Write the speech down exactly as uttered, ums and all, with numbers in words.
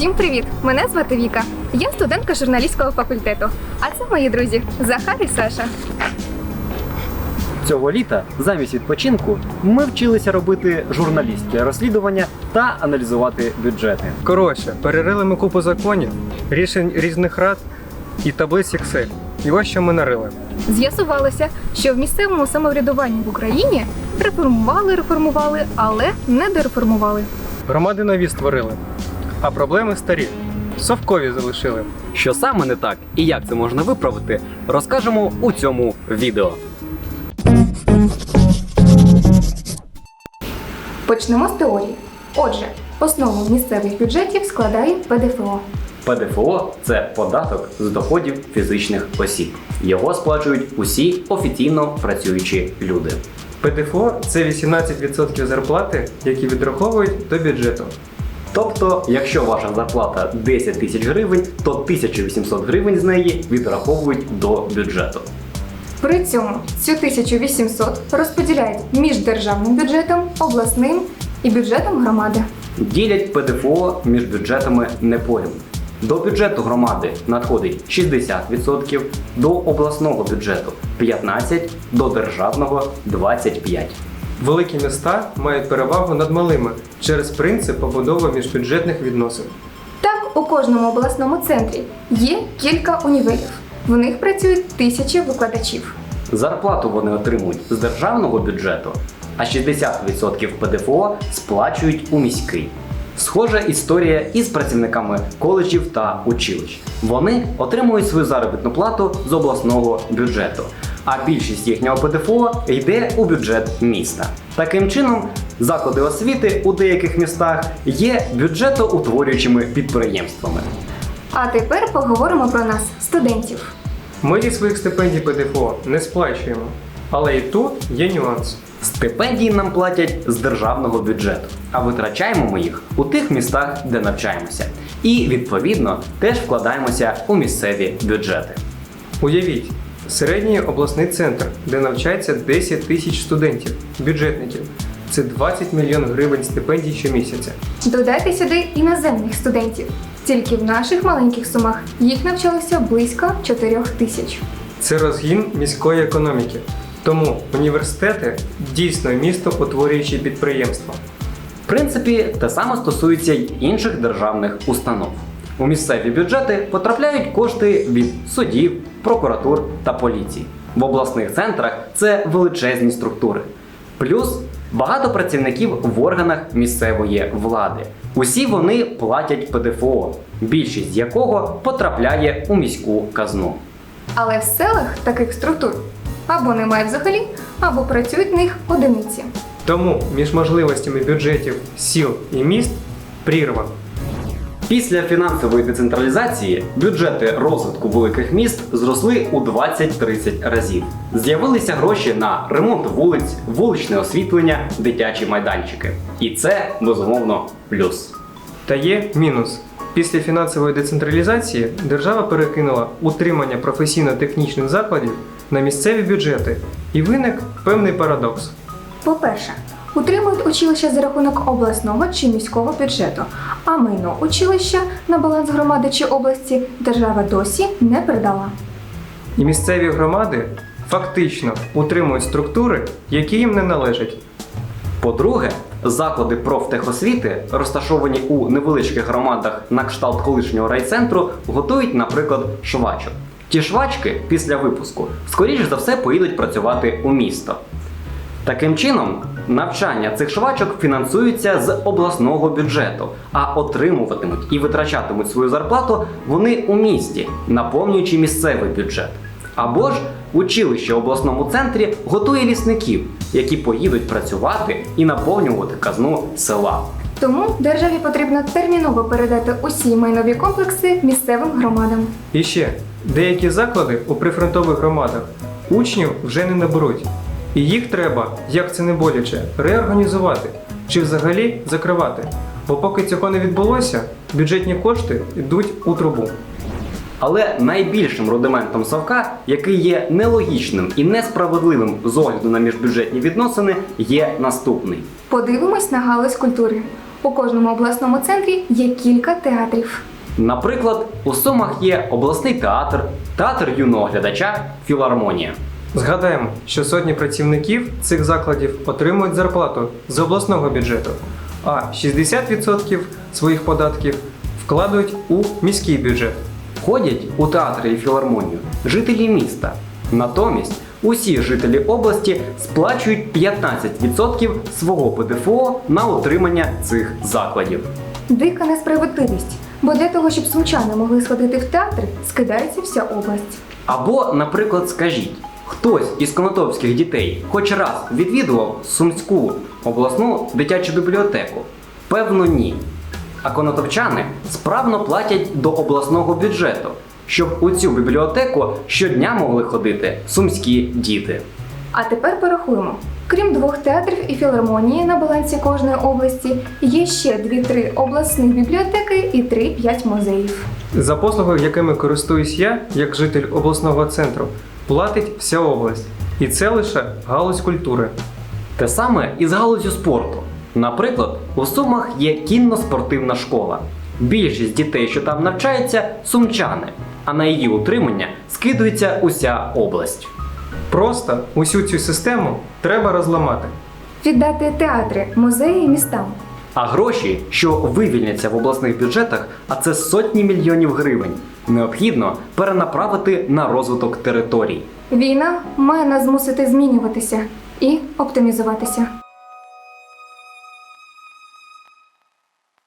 Всім привіт! Мене звати Віка. Я студентка журналістського факультету. А це мої друзі Захар і Саша. Цього літа замість відпочинку ми вчилися робити журналістське розслідування та аналізувати бюджети. Коротше, перерили ми купу законів, рішень різних рад і таблиць Excel. І ось що ми нарили. З'ясувалося, що в місцевому самоврядуванні в Україні реформували, реформували, але не дереформували. Громади нові створили, а проблеми старі. Совкові залишили. Що саме не так і як це можна виправити, розкажемо у цьому відео. Почнемо з теорії. Отже, основу місцевих бюджетів складає Пе Де Фе О. Пе Де Фе О – це податок з доходів фізичних осіб. Його сплачують усі офіційно працюючі люди. Пе Де Фе О – це вісімнадцять відсотків зарплати, які відраховують до бюджету. Тобто, якщо ваша зарплата десять тисяч гривень, то тисяча вісімсот гривень з неї відраховують до бюджету. При цьому цю тисячу вісімсот розподіляють між державним бюджетом, обласним і бюджетом громади. Ділять Пе Де Фе О між бюджетами не порівну. До бюджету громади надходить шістдесят відсотків, до обласного бюджету п'ятнадцять відсотків, до державного двадцять п'ять відсотків. Великі міста мають перевагу над малими через принцип побудови міжбюджетних відносин. Так, у кожному обласному центрі є кілька універів. В них працюють тисячі викладачів. Зарплату вони отримують з державного бюджету, а шістдесят відсотків Пе Де Фе О сплачують у міський. Схожа історія із працівниками коледжів та училищ. Вони отримують свою заробітну плату з обласного бюджету, а більшість їхнього Пе Де Фе О йде у бюджет міста. Таким чином, заклади освіти у деяких містах є бюджетоутворюючими підприємствами. А тепер поговоримо про нас, студентів. Ми зі своїх стипендій Пе Де Фе О не сплачуємо, але і тут є нюанс. Стипендії нам платять з державного бюджету, а витрачаємо ми їх у тих містах, де навчаємося. І, відповідно, теж вкладаємося у місцеві бюджети. Уявіть, середній обласний центр, де навчається десять тисяч студентів, бюджетників. Це двадцять мільйонів гривень стипендій щомісяця. Додайте сюди іноземних студентів. Тільки в наших маленьких Сумах їх навчалося близько чотирьох тисяч. Це розгін міської економіки. Тому університети дійсно містоутворюючі підприємства. В принципі, те саме стосується й інших державних установ. У місцеві бюджети потрапляють кошти від судів, прокуратур та поліції. В обласних центрах це величезні структури. Плюс багато працівників в органах місцевої влади. Усі вони платять Пе Де Фе О, більшість з якого потрапляє у міську казну. Але в селах таких структур або немає взагалі, або працюють в них одиниці. Тому між можливостями бюджетів сіл і міст прірва. Після фінансової децентралізації бюджети розвитку великих міст зросли у двадцять-тридцять разів. З'явилися гроші на ремонт вулиць, вуличне освітлення, дитячі майданчики. І це, безумовно, плюс. Та є мінус. Після фінансової децентралізації держава перекинула утримання професійно-технічних закладів на місцеві бюджети. І виник певний парадокс. По-перше, утримують училища за рахунок обласного чи міського бюджету, а майно училища на баланс громади чи області держава досі не передала. І місцеві громади фактично утримують структури, які їм не належать. По-друге, заклади профтехосвіти, розташовані у невеличких громадах на кшталт колишнього райцентру, готують, наприклад, швачок. Ті швачки після випуску, скоріш за все, поїдуть працювати у місто. Таким чином, навчання цих швачок фінансується з обласного бюджету, а отримуватимуть і витрачатимуть свою зарплату вони у місті, наповнюючи місцевий бюджет. Або ж училище в обласному центрі готує лісників, які поїдуть працювати і наповнювати казну села. Тому державі потрібно терміново передати усі майнові комплекси місцевим громадам. І ще, деякі заклади у прифронтових громадах учнів вже не наберуть. І їх треба, як це не боляче, реорганізувати чи взагалі закривати. Бо поки цього не відбулося, бюджетні кошти йдуть у трубу. Але найбільшим рудиментом совка, який є нелогічним і несправедливим з огляду на міжбюджетні відносини, є наступний. Подивимось на галузь культури. У кожному обласному центрі є кілька театрів. Наприклад, у Сумах є обласний театр, театр юного глядача, філармонія. Згадаємо, що сотні працівників цих закладів отримують зарплату з обласного бюджету, а шістдесят відсотків своїх податків вкладають у міський бюджет. Ходять у театри і філармонію жителі міста. Натомість усі жителі області сплачують п'ятнадцять відсотків свого Пе Де Фе О на утримання цих закладів. Дика несправедливість, бо для того, щоб сумчани могли сходити в театр, скидається вся область. Або, наприклад, скажіть, хтось із конотопських дітей хоч раз відвідував Сумську обласну дитячу бібліотеку? Певно, ні. А конотопчани справно платять до обласного бюджету, щоб у цю бібліотеку щодня могли ходити сумські діти. А тепер порахуємо. Крім двох театрів і філармонії на балансі кожної області, є ще дві-три обласних бібліотеки і три-п'ять музеїв. За послуги, якими користуюсь я, як житель обласного центру, платить вся область. І це лише галузь культури. Те саме і з галуззю спорту. Наприклад, у Сумах є кінно-спортивна школа. Більшість дітей, що там навчаються, сумчани, а на її утримання скидується уся область. Просто усю цю систему треба розламати. Віддати театри, музеї містам. А гроші, що вивільняться в обласних бюджетах, а це сотні мільйонів гривень, необхідно перенаправити на розвиток територій. Війна має нас змусити змінюватися і оптимізуватися.